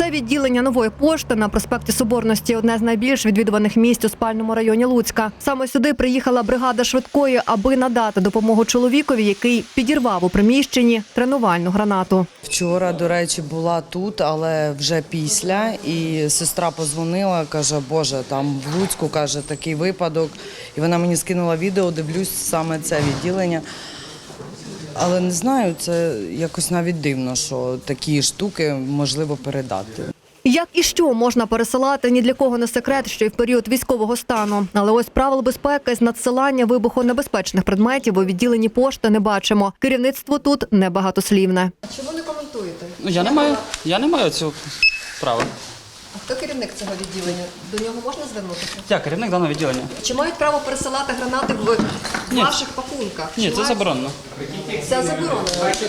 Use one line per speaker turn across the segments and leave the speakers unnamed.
Це відділення Нової пошти на проспекті Соборності – одне з найбільш відвідуваних місць у спальному районі Луцька. Саме сюди приїхала бригада швидкої, аби надати допомогу чоловікові, який підірвав у приміщенні тренувальну гранату.
Вчора, до речі, була тут, але вже після. І сестра подзвонила, каже, Боже, там в Луцьку, каже, такий випадок. І вона мені скинула відео, дивлюсь саме це відділення. Але не знаю, це якось навіть дивно, що такі штуки можливо передати.
Як і що можна пересилати, ні для кого не секрет, що й в період військового стану. Але ось правил безпеки з надсилання вибухонебезпечних предметів у відділенні пошти не бачимо. Керівництво тут небагатослівне. Чому не коментуєте?
Я не маю цього права.
А хто керівник цього відділення? До нього можна звернутися?
Я керівник даного відділення.
Чи мають право пересилати гранати в ваших пакунках?
Ні, це заборонено.
Це заборонено.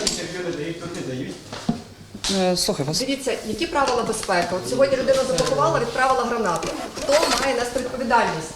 Слухай вас.
Дивіться, які правила безпеки? От сьогодні людина запакувала, відправила гранату. Хто має нести відповідальність?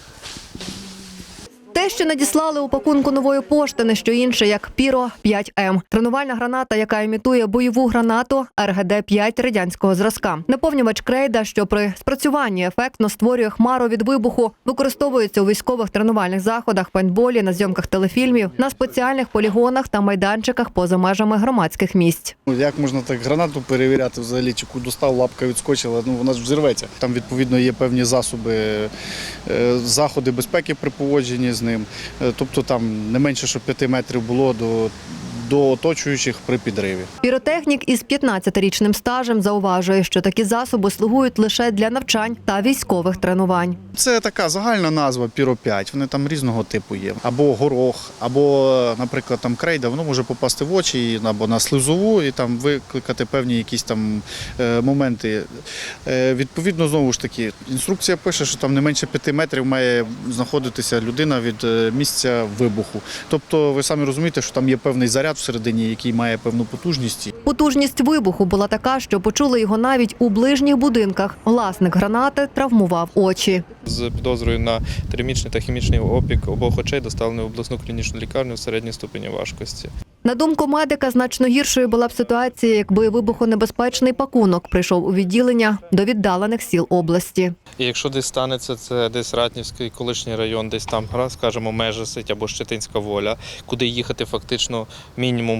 Те, що надіслали у пакунку Нової пошти, не що інше, як Піро 5М. Тренувальна граната, яка імітує бойову гранату РГД-5 радянського зразка. Наповнювач крейда, що при спрацюванні ефектно створює хмару від вибуху, використовується у військових тренувальних заходах, пейнтболі, на зйомках телефільмів, на спеціальних полігонах та майданчиках поза межами громадських місць.
Як можна так гранату перевіряти взагалі, чи достав, лапка відскочила, вона ж взірветься. Там, відповідно, є певні засоби, заходи безпеки при поводженні з ним. Тобто там не менше, щоб 5 метрів було до оточуючих при підриві.
Піротехнік із 15-річним стажем зауважує, що такі засоби слугують лише для навчань та військових тренувань.
Це така загальна назва Піро-5, вони там різного типу є. Або горох, або, наприклад, там крейда, воно може попасти в очі або на слизову і там викликати певні якісь там моменти. Відповідно, знову ж таки, інструкція пише, що там не менше 5 метрів має знаходитися людина від місця вибуху. Тобто, ви самі розумієте, що там є певний заряд всередині, який має певну потужність.
Потужність вибуху була така, що почули його навіть у ближніх будинках. Власник гранати травмував очі.
З підозрою на термічний та хімічний опік обох очей доставлені в обласну клінічну лікарню в середній ступені важкості.
На думку медика, значно гіршою була б ситуація, якби вибухонебезпечний пакунок прийшов у відділення до віддалених сіл області.
І якщо десь станеться, це десь Ратнівський колишній район, десь там, скажімо, Межисить або Щетинська Воля, куди їхати фактично мінімум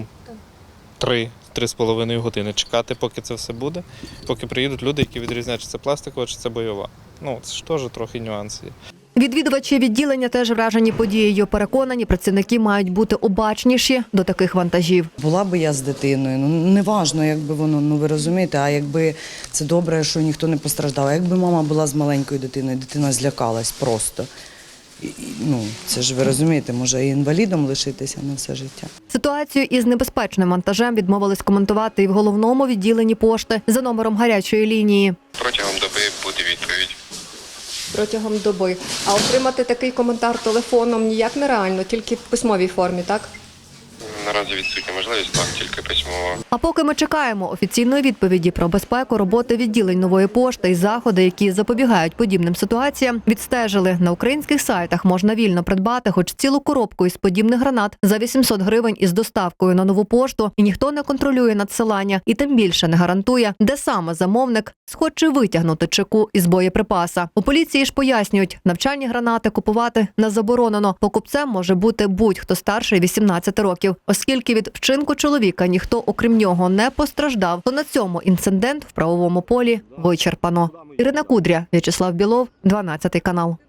3-3,5 години. Чекати, поки це все буде, поки приїдуть люди, які відрізняють, чи це пластикова, чи це бойова. Це ж теж трохи нюанси є.
Відвідувачі відділення теж вражені подією. Переконані, працівники мають бути обачніші до таких вантажів.
Була би я з дитиною, неважно, якби воно, ви розумієте, а якби це добре, що ніхто не постраждав. А якби мама була з маленькою дитиною, дитина злякалась просто. Це ж ви розумієте, може і інвалідом лишитися на все життя.
Ситуацію із небезпечним вантажем відмовились коментувати і в головному відділенні пошти за номером гарячої лінії.
Протягом доби буде відповідь.
Протягом доби. А отримати такий коментар телефоном ніяк нереально, тільки в письмовій формі, так?
Наразі відсутня можливість, так, тільки письмово.
А поки ми чекаємо офіційної відповіді про безпеку роботи відділень Нової пошти і заходи, які запобігають подібним ситуаціям, відстежили. На українських сайтах можна вільно придбати хоч цілу коробку із подібних гранат за 800 гривень із доставкою на Нову пошту, і ніхто не контролює надсилання, і тим більше не гарантує, де саме замовник схоче витягнути чеку із боєприпаса. У поліції ж пояснюють, навчальні гранати купувати не заборонено. Покупцем може бути будь-хто старший 18 років. Оскільки від вчинку чоловіка ніхто, окрім нього, не постраждав, то на цьому інцидент в правовому полі вичерпано. Ірина Кудря, В'ячеслав Білов, 12 канал.